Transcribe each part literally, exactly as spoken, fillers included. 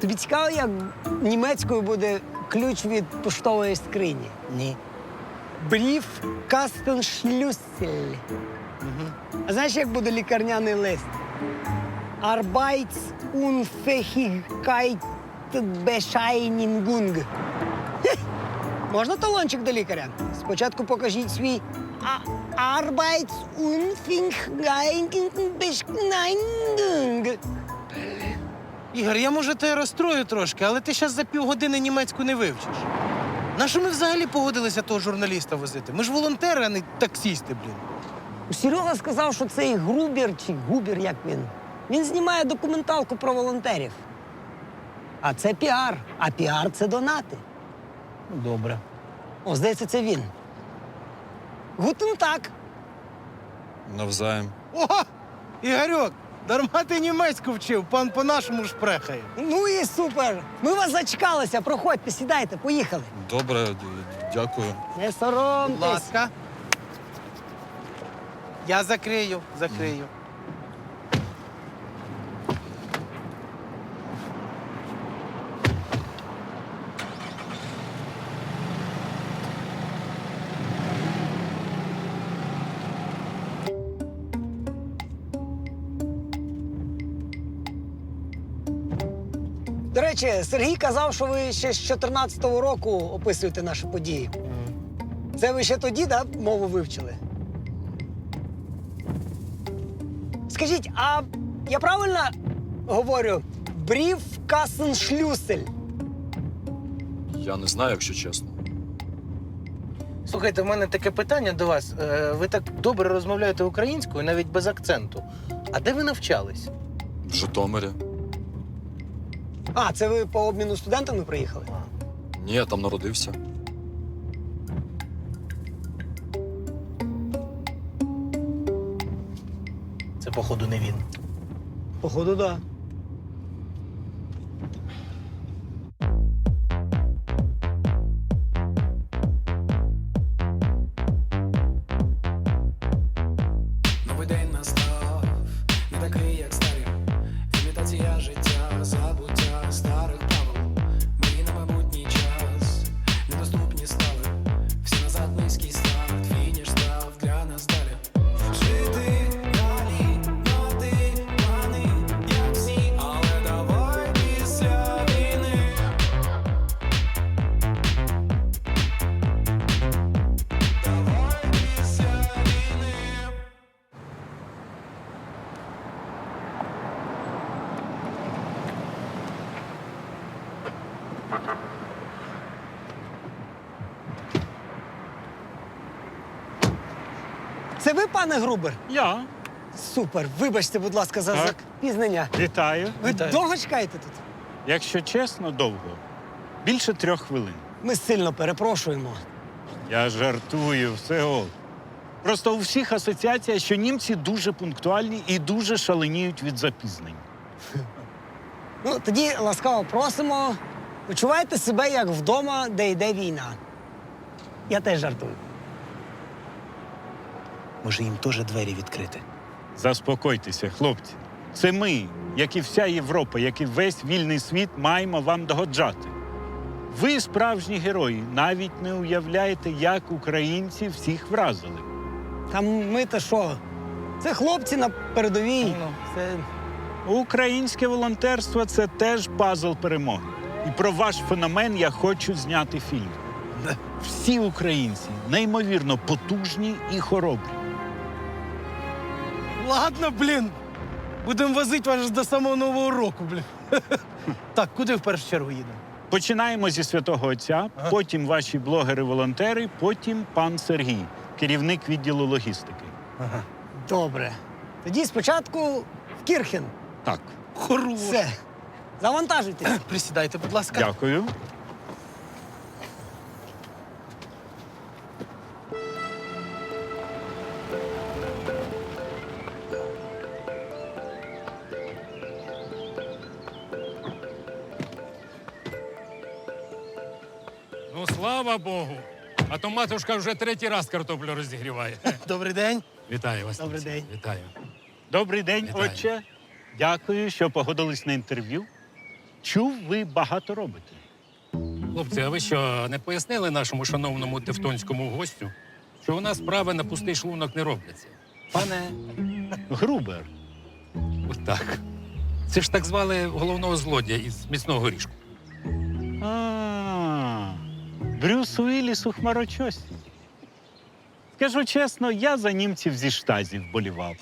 Тобі цікаво, як німецькою буде ключ від поштової скрині? Ні. Бріф Кастеншлюссель. Угу. А знаєш, як буде лікарняний лист? Arbeitsunfähigkeitsbescheinigung. Хе! Можна талончик до лікаря? Спочатку покажіть свій а- Arbeitsunfähigkeitsbescheinigung. Ігор, я, може, тебе розстрою трошки, але ти зараз за півгодини німецьку не вивчиш. Нащо ми взагалі погодилися того журналіста возити? Ми ж волонтери, а не таксісти, блін. Серега сказав, що цей Грубер чи Губер, як він, він знімає документалку про волонтерів. А це піар, а піар – це донати. Добре. О, здається, це він. Гутен так. Навзаєм. О! Ігорьок, дарма ти німецьку вчив, пан по-нашому шпрехає. Ну і супер. Ми вас зачекалися. Проходьте, сідайте, поїхали. Добре, д- дякую. Не Будь соромтесь. ласка. Я закрию, закрию. До речі, Сергій казав, що ви ще з чотирнадцятого року описуєте наші події. Це ви ще тоді, да, мову вивчили? Скажіть, а я правильно говорю? Бріф Касеншлюсель. Я не знаю, якщо чесно. Слухайте, в мене таке питання до вас. Е, Ви так добре розмовляєте українською, навіть без акценту. А де ви навчались? В Житомирі. А, це ви по обміну студентами приїхали? Ні, я там народився. Це, походу, не він. Походу, да. Новий день настав, не такий, як старі. Імітація життя, забуття старих правил. Ми на майбутній час, недоступні стали. Всі назад низький старт, фініш став для нас далі. Жити далі, мати плани, як всі, але давай після війни. Давай після війни. Це ви, пане Грубер? Я. Супер. Вибачте, будь ласка, за Так. запізнення. Вітаю. Ви Вітаю. довго чекаєте тут? Якщо чесно, довго. Більше трьох хвилин. Ми сильно перепрошуємо. Я жартую, все ок. Просто у всіх асоціація, що німці дуже пунктуальні і дуже шаленіють від запізнень. Ну, тоді ласкаво просимо. Почувайте себе як вдома, де йде війна. Я теж жартую. Може, їм теж двері відкрити? Заспокойтеся, хлопці. Це ми, як і вся Європа, як і весь вільний світ, маємо вам догоджати. Ви справжні герої, навіть не уявляєте, як українці всіх вразили. Та ми-то що? Це хлопці на передовій. Ну. Це... Українське волонтерство – це теж пазл перемоги. І про ваш феномен я хочу зняти фільм. Всі українці неймовірно потужні і хоробрі. Ладно, блін. Будемо возити вас до самого Нового року, блін. Так, куди в першу чергу їдемо? Починаємо зі Святого Отця, Ага. потім ваші блогери-волонтери, потім пан Сергій, керівник відділу логістики. Ага. Добре. Тоді спочатку в Кірхен. Так, Хорош. Все. Завантажуйтесь. Присідайте, будь ласка. дякую. Ну, слава Богу. А то матушка вже третій раз картоплю розігріває. Добрий день. Вітаю вас. Добрий хлопці. день. Вітаю. Добрий день, Вітаю. отче. Дякую, що погодились на інтерв'ю. Чув, ви багато робите. Хлопці, а ви що, не пояснили нашому шановному тевтонському гостю, що у нас справи на пустий шлунок не робляться? Пане, Грубер, отак. Це ж так звали головного злодія із міцного горішку. А, Брюс Уілліс у хмарочосі. Скажу чесно, я за німців зі штазів болівав.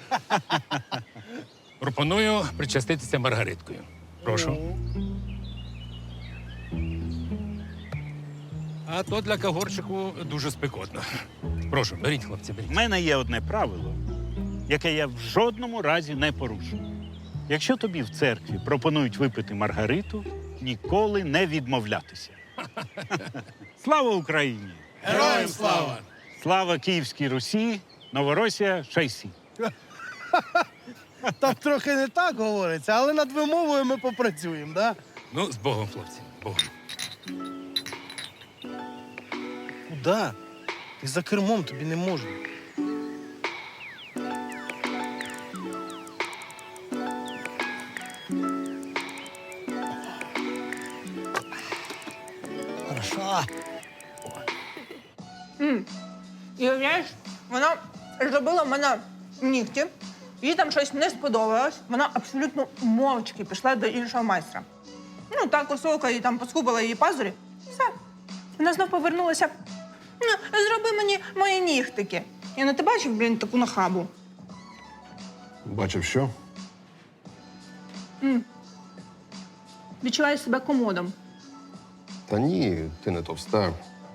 Пропоную причаститися Маргариткою. Прошу. А то для кагорчику дуже спекотно. Прошу, беріть, хлопці, У беріть. мене є одне правило, яке я в жодному разі не порушу. Якщо тобі в церкві пропонують випити Маргариту, ніколи не відмовлятися. Слава Україні! Героям слава! Слава Київській Русі, Новоросія, Шайсі. Там трохи не так говориться, але над вимовою ми попрацюємо, да? Ну, з Богом, хлопці, Богом. Куда? Ти за кермом, тобі не можна. Хорошо. І уявляєш, вона зробила в мене нігті, їй там щось не сподобалось, вона абсолютно мовчки пішла до іншого майстра. Ну, та косовка їй там поскубала її пазурі, і все. Вона знов повернулася. Ну, зроби мені мої нігтики. Я не ти бачив, блін, таку нахабу. Бачив що? Відчуваю себе комодом. Та ні, ти не товста.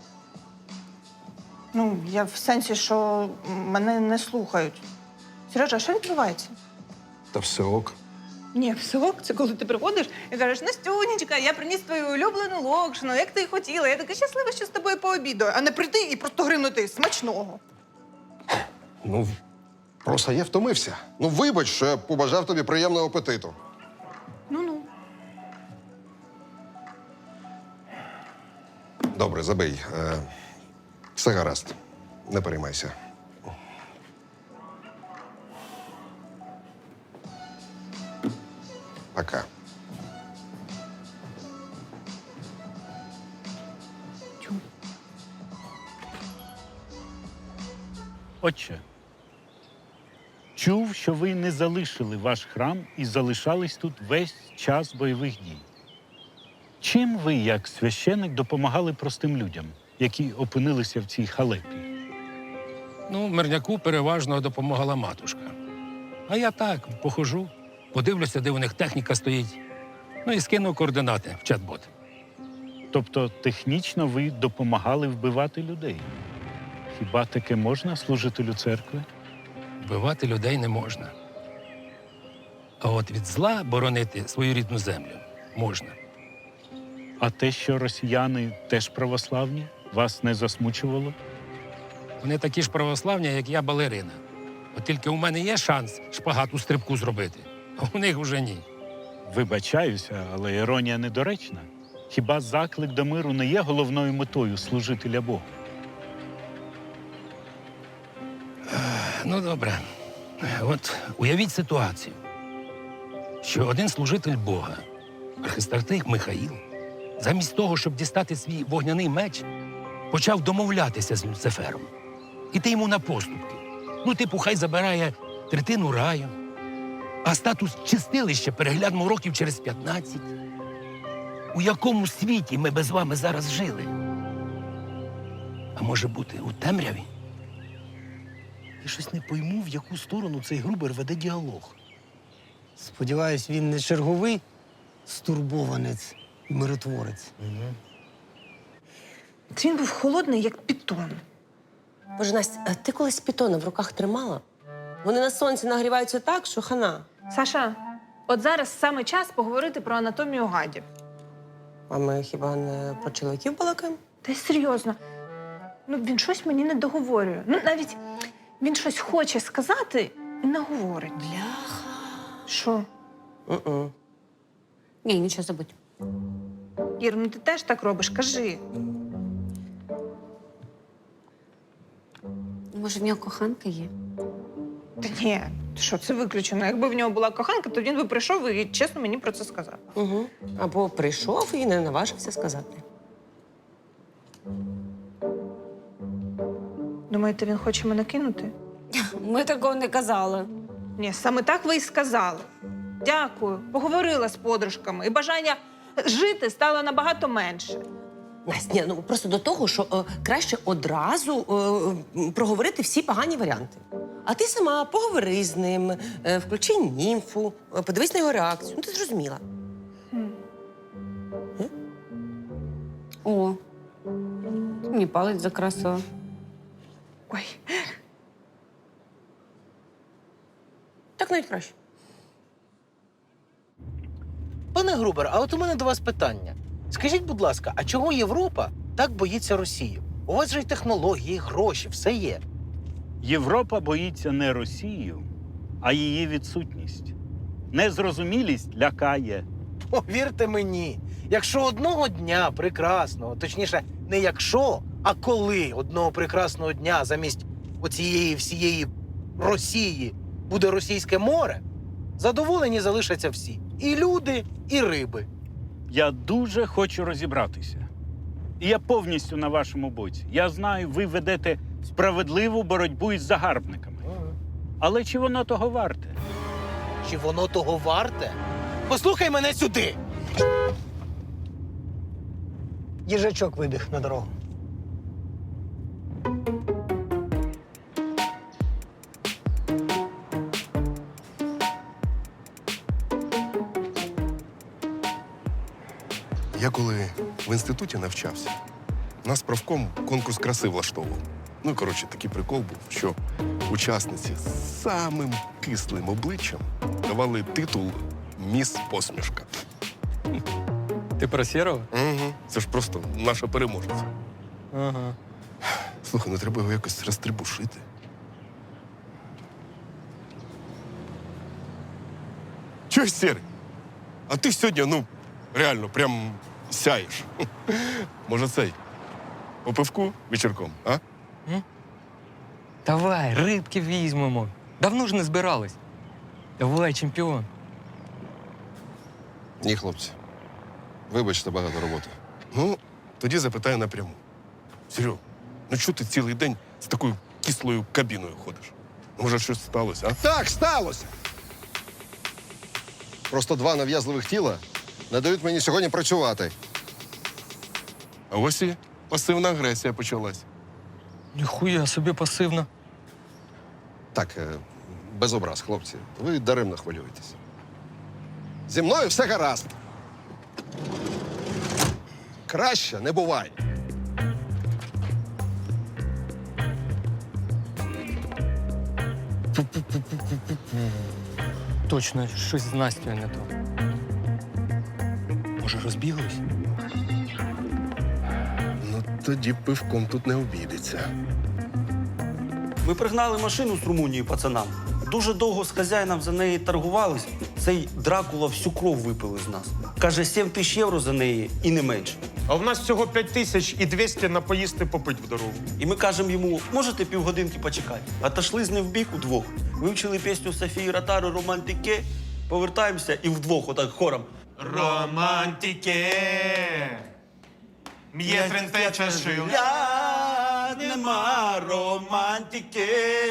Ну, я в сенсі, що мене не слухають. Сережа, а що відбувається? Та все ок. Ні, псок, це коли ти приходиш і кажеш, Настюнечка, я приніс твою улюблену локшину, як ти і хотіла. Я така щаслива, що з тобою пообідаю, а не прийти і просто гримнути смачного. Ну, просто я втомився. Ну, вибач, що я побажав тобі приємного апетиту. Ну-ну. Добре, забий. Е, все гаразд. Не переймайся. Пока. Отче, чув, що ви не залишили ваш храм і залишались тут весь час бойових дій. Чим ви, як священик, допомагали простим людям, які опинилися в цій халепі? Ну, мирняку переважно допомагала матушка. А я так, похожу, подивлюся, де у них техніка стоїть. Ну і скину координати в чат-бот. Тобто технічно ви допомагали вбивати людей. Хіба таке можна служителю церкви? Вбивати людей не можна. А от від зла боронити свою рідну землю можна. А те, що росіяни теж православні, вас не засмучувало? Вони такі ж православні, як я, балерина. От тільки у мене є шанс шпагат у стрибку зробити, а у них вже ні. Вибачаюся, але іронія недоречна. Хіба заклик до миру не є головною метою служителя Богу? Ну, добре. От уявіть ситуацію, що один служитель Бога, архистратиг Михаїл, замість того, щоб дістати свій вогняний меч, почав домовлятися з Люцифером. Іти йому на поступки. Ну, типу, хай забирає третину раю, а статус чистилища переглянемо років через п'ятнадцять. У якому світі ми без вами зараз жили? А може бути, у темряві? Я щось не пойму, в яку сторону цей Грубер веде діалог. Сподіваюсь, він не черговий стурбованець і миротворець. Це він був холодний, як пітон. Боже, Настя, а ти колись пітона в руках тримала? Вони на сонці нагріваються так, що хана. Саша, от зараз саме час поговорити про анатомію гадів. А ми хіба не про чоловіків балакаємо? Та й серйозно. Ну, він щось мені не договорює. Ну, навіть він щось хоче сказати і не говорить. Бляха. Що? У-у. Ні, нічого забудь. Ір, ну ти теж так робиш, кажи. Може, в нього коханка є? Та ні, Що це виключено? Якби в нього була коханка, то він би прийшов і чесно мені про це сказав. Угу. Або прийшов і не наважився сказати. Думаєте, він хоче мене кинути? Ми такого не казали. Ні, саме так ви й сказали. Дякую. Поговорила з подружками, і бажання жити стало набагато менше. Настя, ні, ну просто до того, що е, краще одразу е, м, проговорити всі погані варіанти. А ти сама поговори з ним, е, включи німфу, е, подивись на його реакцію. Ну, ти зрозуміла. О, мені палець закрасила. Ой, Так навіть краще. Пане Грубер, а от у мене до вас питання. Скажіть, будь ласка, а чого Європа так боїться Росії? У вас же й технології, і гроші, все є. Європа боїться не Росію, а її відсутність. Незрозумілість лякає. Повірте мені, якщо одного дня прекрасного, точніше, не якщо, а коли одного прекрасного дня замість оцієї всієї Росії буде російське море, задоволені залишаться всі. І люди, і риби. Я дуже хочу розібратися. І я повністю на вашому боці. Я знаю, ви ведете справедливу боротьбу із загарбниками. Але чи воно того варте? Чи воно того варте? Послухай мене сюди! Їжачок вибіг на дорогу. Я коли в інституті навчався, нас правком конкурс краси влаштовував. Ну і, коротше, такий прикол був, що учасниці з самим кислим обличчям давали титул «Міс Посмішка». Ти про Сєрова? Угу. Це ж просто наша переможниця. Ага. Слухай, ну треба його якось розтрибушити. Чого, Сєрий? А ти сьогодні, ну, реально, прям сяєш. Може, цей? По пивку вечірком, а? Давай, рибки візьмемо. Давно ж не збирались. Давай, чемпіон. Ні, хлопці. Вибачте, багато роботи. Ну, тоді запитаю напряму. Серьо, ну чого ти цілий день з такою кислою кабіною ходиш? Може, щось сталося, а? Так, сталося. Просто два нав'язливих тіла не дають мені сьогодні працювати. А ось і пасивна агресія почалась. Ніхуя собі пасивна. Так, е, без образ, хлопці. Ви даремно хвилюєтесь. Зі мною все гаразд. Краще не буває. Точно, щось з Настю не то. Може, розбіглись? Ну, тоді пивком тут не обійдеться. Ми пригнали машину з Румунії пацанам. Дуже довго з хазяїном за неї торгувались. Цей Дракула всю кров випили з нас. Каже, сім тисяч євро за неї і не менше. А в нас всього п'ять тисяч і двісті на поїсти попить в дорогу. І ми кажемо йому, можете півгодинки почекати? Отошли з ним в бік удвох. Вивчили пісню Софії Ротару «Романтике», повертаємося і вдвох отак хором. Романтике, м'є тринте чашил. Я нема романтики.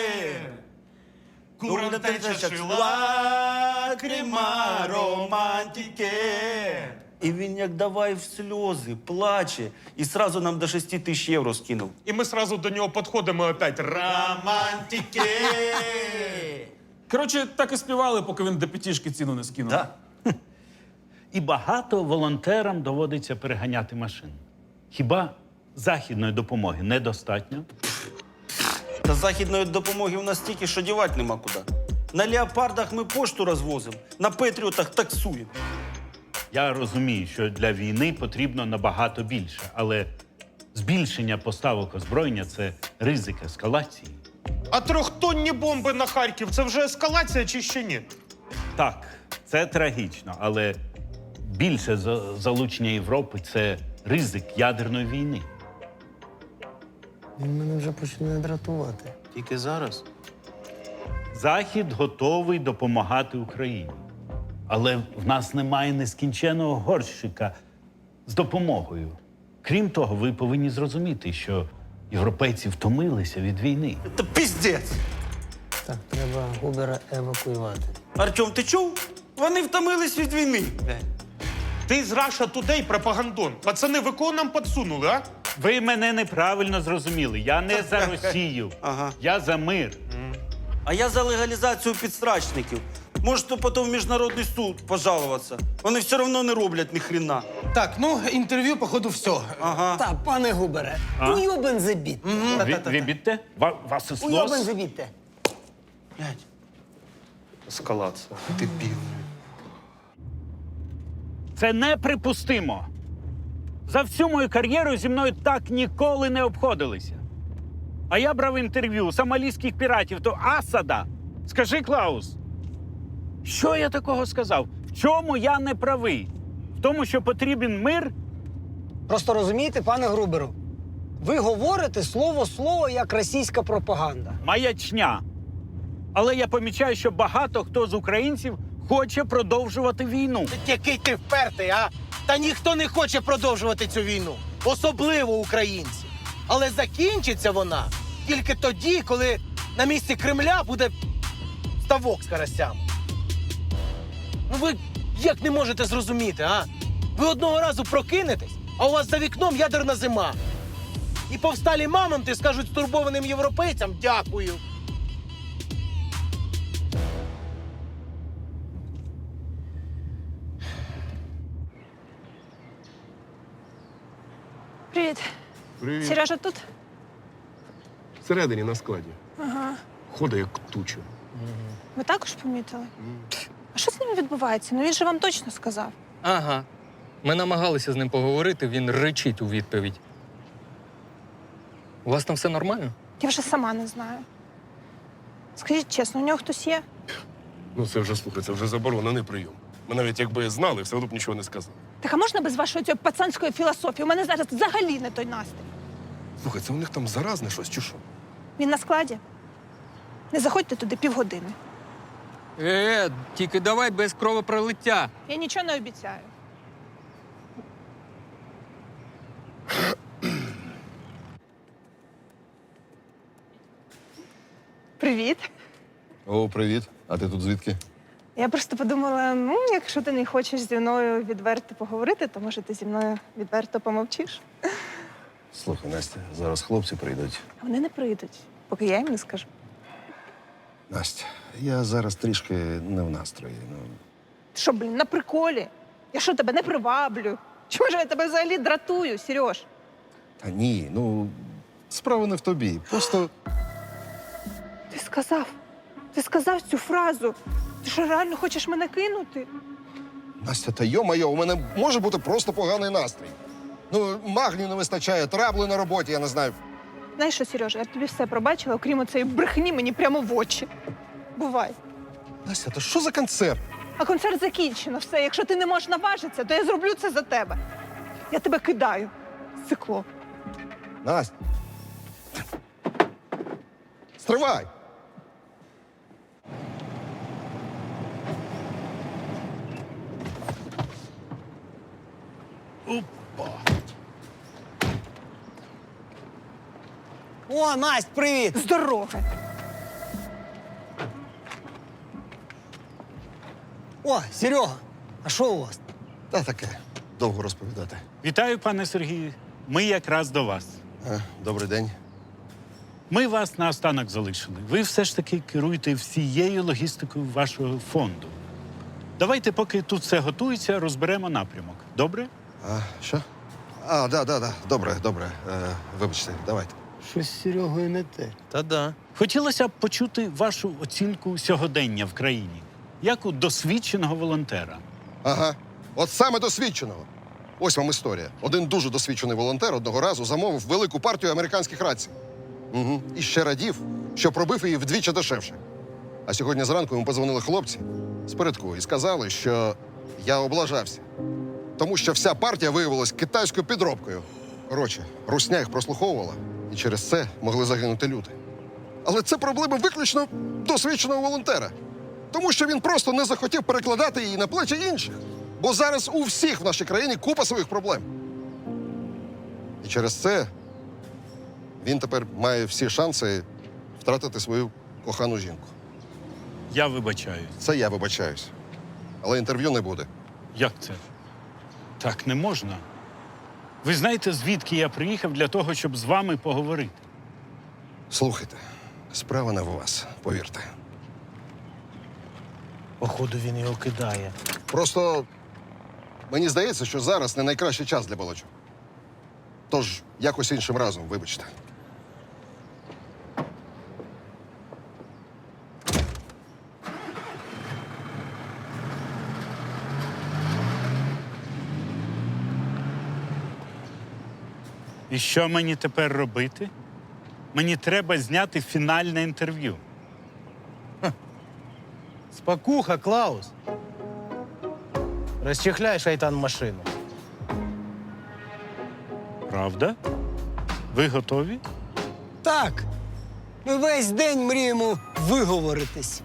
Курна чашил, лакрима романтики. І він як давай в сльози, плаче. І сразу нам до шести тисяч євро скинув. І ми сразу до нього підходимо і опять романтике. Коротше, так і співали, поки він до п'ятішки ціну не скинув. Да. І багато волонтерам доводиться переганяти машин. Хіба західної допомоги недостатньо? Та західної допомоги у нас стільки, що дівати нема куди. На леопардах ми пошту розвозимо, на петріотах таксуємо. Я розумію, що для війни потрібно набагато більше, але збільшення поставок озброєння – це ризик ескалації. А трьохтонні бомби на Харків – це вже ескалація чи ще ні? Так, це трагічно, але більше за- залучення Європи – це ризик ядерної війни. Він мене вже починає дратувати. Тільки зараз. Захід готовий допомагати Україні. Але в нас немає нескінченого горщика з допомогою. Крім того, ви повинні зрозуміти, що європейці втомилися від війни. Та піздець! Так, треба Губера евакуювати. Артем, ти чув? Вони втомились від війни. Ти з Раша Тудей пропагандон. Пацани, ви кого нам підсунули, а? Ви мене неправильно зрозуміли. Я не за Росію. Ага. Я за мир. А я за легалізацію підстрачників. Можете потім в міжнародний суд пожалуватися. Вони все одно не роблять ні хрена. Так, ну, інтерв'ю, походу, все. Ага. Так, пане Губере, А? уйобен забіт. Ви, ви бідте? Ва- Вас і Уйобен слос? забітте. Блядь. Ескалація. Дебіл. Це неприпустимо. За всю мою кар'єру зі мною так ніколи не обходилися. А я брав інтерв'ю сомалійських піратів, то Асада. Скажи, Клаус, що я такого сказав? В чому я не правий? В тому, що потрібен мир? Просто розумієте, пане Груберу, ви говорите слово-слово, як російська пропаганда. Маячня. Але я помічаю, що багато хто з українців хоче продовжувати війну. Який ти впертий, а? Та ніхто не хоче продовжувати цю війну. Особливо українці. Але закінчиться вона тільки тоді, коли на місці Кремля буде ставок з карасями. Ну ви як не можете зрозуміти, а? Ви одного разу прокинетесь, а у вас за вікном ядерна зима. І повсталі мамонти скажуть стурбованим європейцям дякую. Привіт. Привіт. Сережа тут? Всередині на складі. Ага. Ходить як туча. Ви також помітили? А що з ним відбувається? Ну він же вам точно сказав. Ага. Ми намагалися з ним поговорити, він ричить у відповідь. У вас там все нормально? Я вже сама не знаю. Скажіть чесно, у нього хтось є? Ну це вже, слухай, це вже заборонений прийом. Ми навіть якби знали, все одно б нічого не сказали. Так а можна без вашої цієї пацанської філософії? У мене зараз взагалі не той настрій. Слухай, це у них там заразне щось, чи що? Він на складі. Не заходьте туди півгодини. Е, тільки давай без кровопролиття. Я нічого не обіцяю. Привіт. О, привіт. А ти тут звідки? Я просто подумала, ну, якщо ти не хочеш зі мною відверто поговорити, то може ти зі мною відверто помовчиш. Слухай, Настя, зараз хлопці прийдуть. А вони не прийдуть, поки я їм не скажу. Настя, я зараз трішки не в настрої. Ну, Ти що, блін, на приколі? Я що, тебе не приваблю? Чому ж я тебе взагалі дратую, Сереж? та ні, ну, справа не в тобі. Просто Ти сказав, ти сказав цю фразу. Ти що, реально хочеш мене кинути? Настя, та йо-майо, у мене може бути просто поганий настрій. Ну, магнію не вистачає, трабли на роботі, я не знаю. Знаєш що, Сережа, я тобі все пробачила, окрім оцеї брехні мені прямо в очі. Бувай. Настя, та що за концерт? А концерт закінчено, все. Якщо ти не можеш наважитися, то я зроблю це за тебе. Я тебе кидаю, цикло. Настя. Стривай! О, Насть, привіт! Здорове. О, Серега, а що у вас? Та таке, довго розповідати. Вітаю, пане Сергію. Ми якраз до вас. А, добрий день. Ми вас наостанок залишили. Ви все ж таки керуєте всією логістикою вашого фонду. Давайте, поки тут все готується, розберемо напрямок. Добре? А, що? А, да, да, да. Добре, добре. Е, вибачте, давайте. Щось з Серегою не те. Та-да. Хотілося б почути вашу оцінку сьогодення в країні, як у досвідченого волонтера. Ага. От саме досвідченого. Ось вам історія. Один дуже досвідчений волонтер одного разу замовив велику партію американських рацій. Угу. І ще радів, що пробив її вдвічі дешевше. А сьогодні зранку йому позвонили хлопці з передку і сказали, що я облажався. Тому що вся партія виявилась китайською підробкою. Коротше, русня їх прослуховувала, і через це могли загинути люди. Але це проблема виключно досвідченого волонтера. Тому що він просто не захотів перекладати її на плечі інших. Бо зараз у всіх в нашій країні купа своїх проблем. І через це він тепер має всі шанси втратити свою кохану жінку. Я вибачаюсь. Це я вибачаюсь. Але інтерв'ю не буде. Як це? Так не можна. Ви знаєте, звідки я приїхав для того, щоб з вами поговорити? Слухайте, справа не в вас, повірте. Походу, він його кидає. Просто мені здається, що зараз не найкращий час для балачок. Тож якось іншим разом, вибачте. І що мені тепер робити? Мені треба зняти фінальне інтерв'ю. Спокуха, Клаус. Розчехляй, шайтан, машину. Правда? Ви готові? Так. Ми весь день мріємо виговоритись.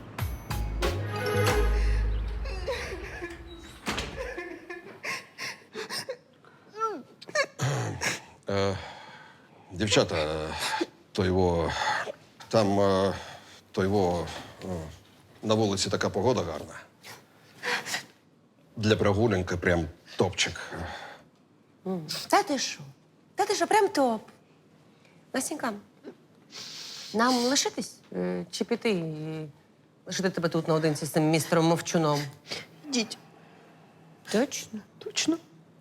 Е, дівчата, е, то його. Там е, то його. е, на вулиці така погода гарна. Для прогулянки прям топчик. Та ти що? Та ти що, прям топ. Настенька, нам лишитись е, чи піти і лишити тебе тут наодинці з цим містером Мовчуном? Йдіть. Точно? Точно.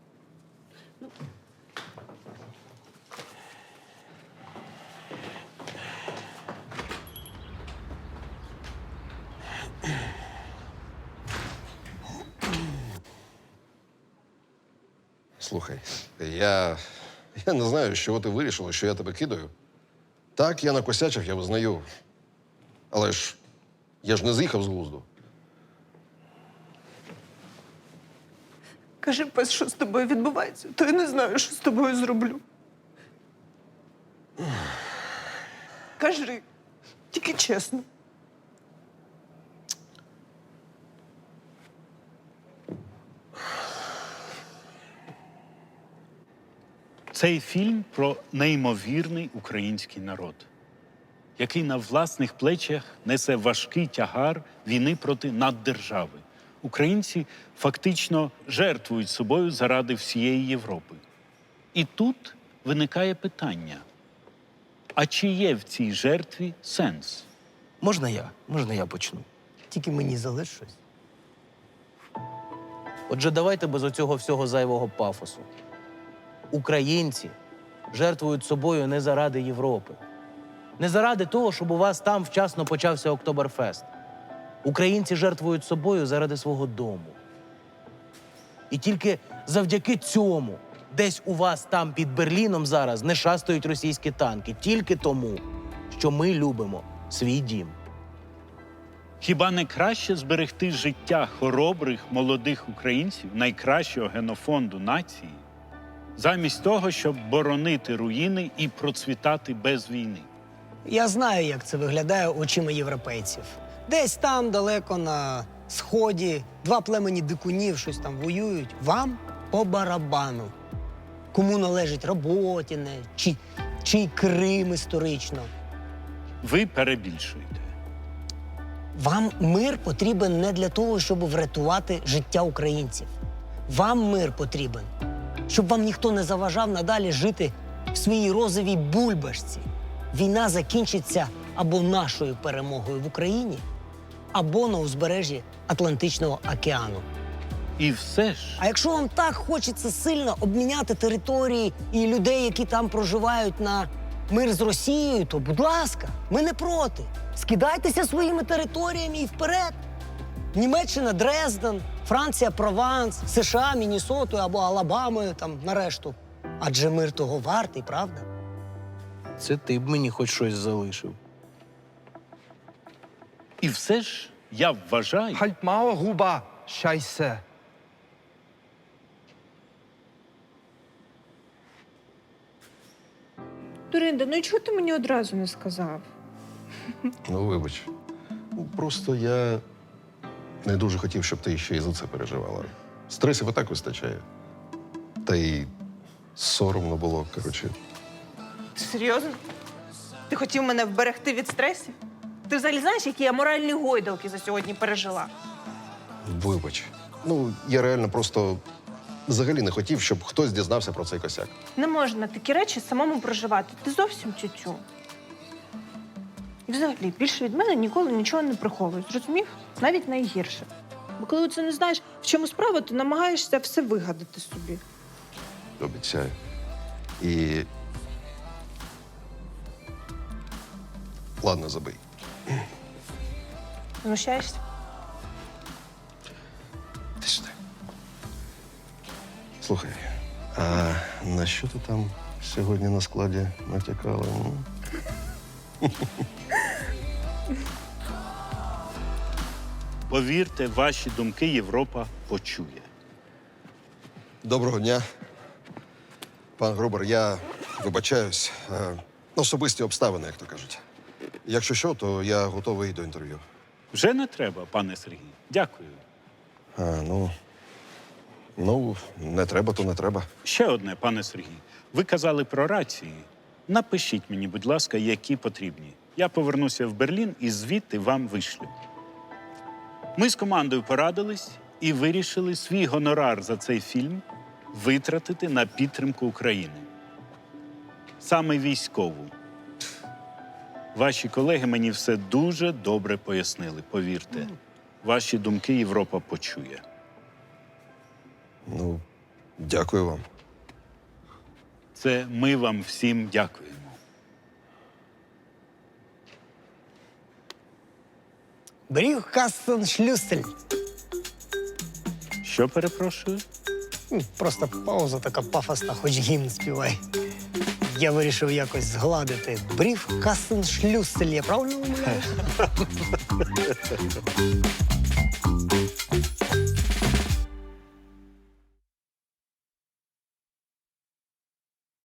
Слухай, я. Я не знаю, з чого ти вирішила, що я тебе кидаю. Так, я накосячив, я визнаю. Але ж я ж не з'їхав з глузду. Кажи, пес, що з тобою відбувається, то я не знаю, що з тобою зроблю. Кажи, тільки чесно. Цей фільм про неймовірний український народ, який на власних плечах несе важкий тягар війни проти наддержави. Українці фактично жертвують собою заради всієї Європи. І тут виникає питання: а чи є в цій жертві сенс? Можна я? Можна я почну? Тільки мені залиш щось. Отже, давайте без оцього всього зайвого пафосу. Українці жертвують собою не заради Європи. Не заради того, щоб у вас там вчасно почався Октоберфест. Українці жертвують собою заради свого дому. І тільки завдяки цьому десь у вас там під Берліном зараз не шастають російські танки. Тільки тому, що ми любимо свій дім. Хіба не краще зберегти життя хоробрих молодих українців, найкращого генофонду нації, замість того, щоб боронити руїни і процвітати без війни? Я знаю, як це виглядає очима європейців. Десь там, далеко на сході, два племені дикунів щось там воюють. Вам по барабану. Кому належить Роботіне, чи, чи Крим історично. Ви перебільшуєте. Вам мир потрібен не для того, щоб врятувати життя українців. Вам мир потрібен, щоб вам ніхто не заважав надалі жити в своїй розовій бульбашці. Війна закінчиться або нашою перемогою в Україні, або на узбережжі Атлантичного океану. І все ж, А якщо вам так хочеться сильно обміняти території і людей, які там проживають, на мир з Росією, то, будь ласка, ми не проти. Скидайтеся своїми територіями і вперед. Німеччина – Дрезден, Франція – Прованс, США – Міннесотою або Алабамою, там, нарешту. Адже мир того вартий, правда? Це ти б мені хоч щось залишив. і все ж я вважаю, Halt Maul, Ruba, Scheiße. Дуринда, ну і чого ти мені одразу не сказав? Ну, вибач. Ну, просто я не дуже хотів, щоб ти ще і за це переживала. Стресів і так вистачає. Та й соромно було, коротше. Ти серйозно? Ти хотів мене вберегти від стресів? Ти взагалі знаєш, які я моральні гойдалки за сьогодні пережила? Вибач. Ну, я реально просто взагалі не хотів, щоб хтось дізнався про цей косяк. Не можна такі речі самому проживати. Ти зовсім тютю. І взагалі, більше від мене ніколи нічого не приховують. Зрозумів? Навіть найгірше. Бо коли ти не знаєш, в чому справа, то намагаєшся все вигадати собі. Обіцяю. І. Ладно, забий. Знущаєшся? Ти сюди. Слухай, а на що ти там сьогодні на складі натякала? м? Повірте, ваші думки Європа почує. Доброго дня. Пан Грубер, я вибачаюсь. Е, Особисті обставини, як то кажуть. Якщо що, то я готовий до інтерв'ю. Вже не треба, пане Сергій. Дякую. А, ну, ну, не треба, то не треба. Ще одне, пане Сергій. Ви казали про рації. Напишіть мені, будь ласка, які потрібні. Я повернуся в Берлін і звідти вам вишлю. Ми з командою порадились і вирішили свій гонорар за цей фільм витратити на підтримку України. Саме військову. Ваші колеги мені все дуже добре пояснили, повірте. Ваші думки Європа почує. Ну, дякую вам. Це ми вам всім дякуємо. Бріх Кастеншлюстель. Що перепрошую? М, Просто пауза така пафосна, хоч гімн співай. Я вирішив якось згладити. Бріх Кастеншлюстель, я правильно умовляю?